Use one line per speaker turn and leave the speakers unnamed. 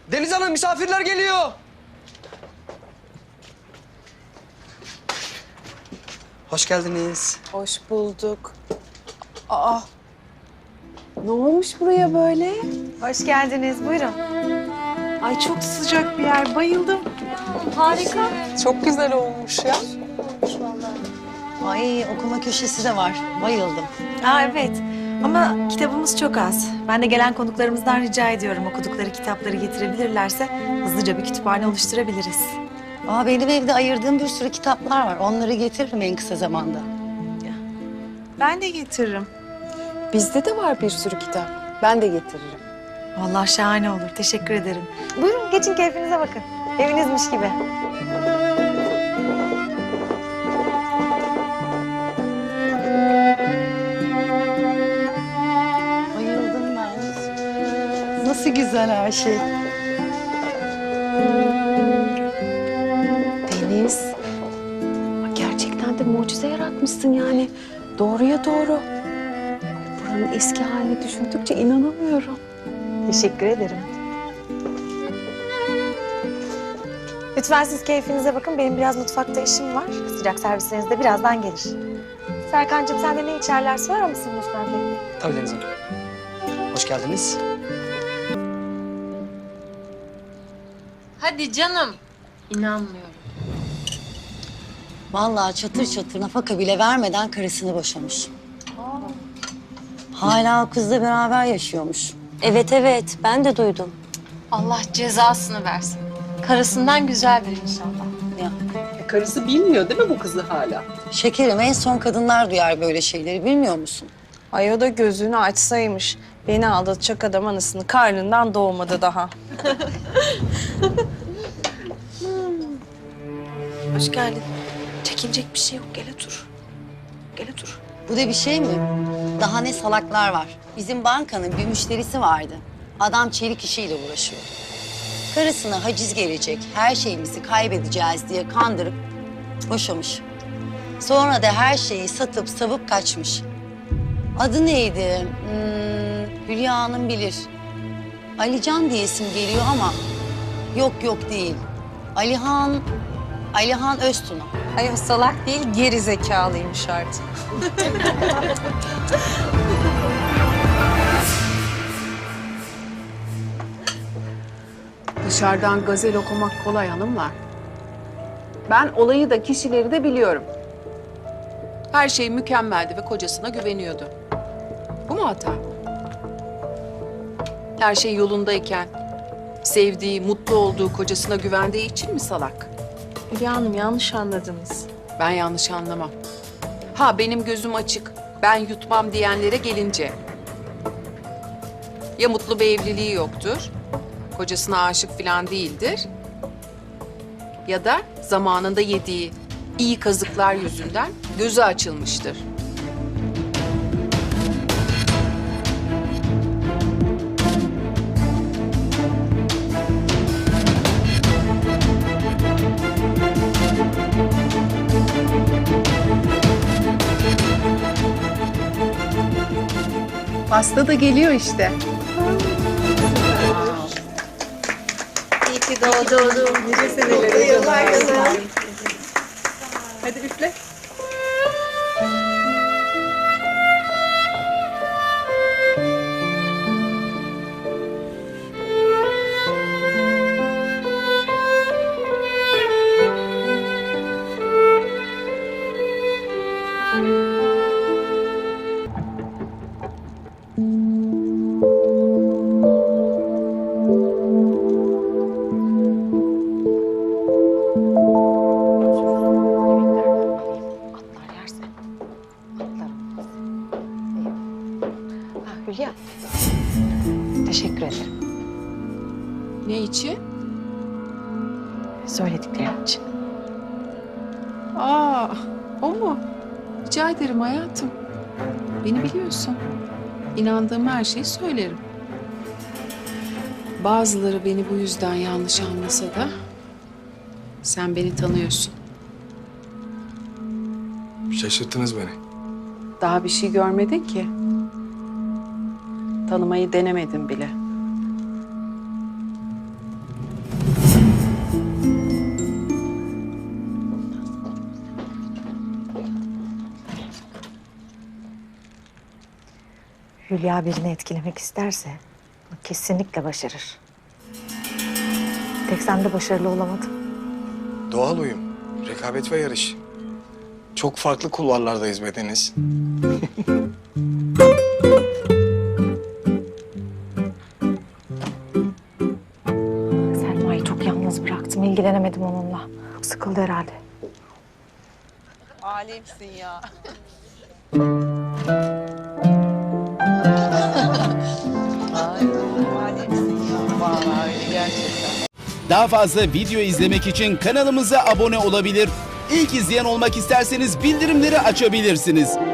Deniz Hanım, misafirler geliyor. Hoş geldiniz.
Hoş bulduk. Aa, ne olmuş buraya böyle?
Hoş geldiniz. Buyurun.
Ay çok sıcak bir yer, bayıldım.
Harika.
Çok güzel olmuş ya.
Ay okuma köşesi de var. Bayıldım.
Aa evet. Ama kitabımız çok az. Ben de gelen konuklarımızdan rica ediyorum okudukları kitapları getirebilirlerse hızlıca bir kütüphane oluşturabiliriz.
Aa, benim evde ayırdığım bir sürü kitaplar var. Onları getiririm en kısa zamanda.
Ben de getiririm. Bizde de var bir sürü kitap. Ben de getiririm.
Vallahi şahane olur. Teşekkür ederim. Buyurun geçin keyfinize bakın. Evinizmiş gibi.
Bayıldım ben. Nasıl güzel her şey.
Deniz, gerçekten de mucize yaratmışsın yani. Doğruya doğru. Buranın eski halini düşündükçe inanamıyorum.
Teşekkür ederim. Lütfen siz keyfinize bakın. Benim biraz mutfakta işim var. Sıcak servisleriniz de birazdan gelir. Serkan'cığım sen de ne içerler sorar mısın lütfen peki?
Tabii Deniz Hanım. Hoş geldiniz.
Hadi canım. İnanmıyorum.
Vallahi çatır çatır nafaka bile vermeden karısını boşamış. Hala o kızla beraber yaşıyormuş.
Evet evet ben de duydum.
Allah cezasını versin. Karısından güzeldir inşallah.
Ya,
Karısı bilmiyor değil mi bu kızı hala?
şekerim en son kadınlar duyar böyle şeyleri bilmiyor musun?
Ay o da gözünü açsaymış. Beni aldatacak adam anasının karnından doğmadı daha. Hoş geldin. Çekinecek bir şey yok. Gel otur. Gel otur.
Bu da bir şey mi? Daha ne salaklar var. Bizim bankanın bir müşterisi vardı. Adam çelik işiyle uğraşıyor. Karısına haciz gelecek, her şeyimizi kaybedeceğiz diye kandırıp boşamış. Sonra da her şeyi satıp savup kaçmış. Adı neydi? Hülya Hanım bilir. Alican diye isim geliyor ama yok değil. Alihan Öztuna.
Ay o salak değil, geri zekalıymış artık.
Dışarıdan gazel okumak kolay hanımlar. Ben olayı da kişileri de biliyorum. Her şey mükemmeldi ve kocasına güveniyordu. Bu mu hata? Her şey yolundayken sevdiği, mutlu olduğu kocasına güvendiği için mi salak?
Hülya Hanım yanlış anladınız.
Ben yanlış anlamam. Ha benim gözüm açık, ben yutmam diyenlere gelince. Ya mutlu bir evliliği yoktur, kocasına aşık falan değildir. Ya da zamanında yediği iyi kazıklar yüzünden gözü açılmıştır. Pasta da geliyor işte.
Hadi üfle.
Hülya. Teşekkür ederim.
Ne için?
Söylediklerin için.
Aa, o mu? Rica ederim hayatım. Beni biliyorsun. İnandığım her şeyi söylerim. Bazıları beni bu yüzden yanlış anlasa da sen beni tanıyorsun.
Şaşırttınız beni.
Daha bir şey görmedin ki. Tanımayı denemedim bile.
Hülya birini etkilemek isterse bunu kesinlikle başarır. Tek sen de başarılı olamadın.
Doğal uyum, rekabet ve yarış. Çok farklı kulvarlardayız be Deniz.
Selma'yı çok yalnız bıraktım. İlgilenemedim onunla. Sıkıldı herhalde.
Alemsin ya. Alemsin ya. Vallahi öyle gerçekten.
Daha fazla video izlemek için kanalımıza abone olabilir. İlk izleyen olmak isterseniz bildirimleri açabilirsiniz.